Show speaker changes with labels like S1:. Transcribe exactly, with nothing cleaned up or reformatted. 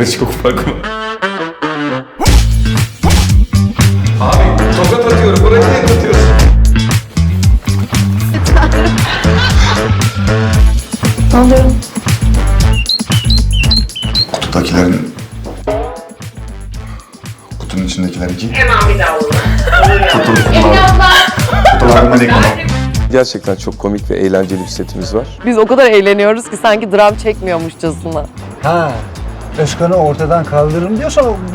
S1: arasında çok fark var. Abi tokat atıyorum. Buraya niye atıyorsun?
S2: Ne oluyor?
S1: Kutudakilerin... Kutunun içindekiler iki.
S3: Hemen bir daha olur.
S1: Kutularından ekonom.
S4: Gerçekten çok komik ve eğlenceli bir setimiz var.
S5: Biz o kadar eğleniyoruz ki sanki dram çekmiyormuşçasına.
S6: Ha, Özkan'ı ortadan kaldırırım diyorsan o...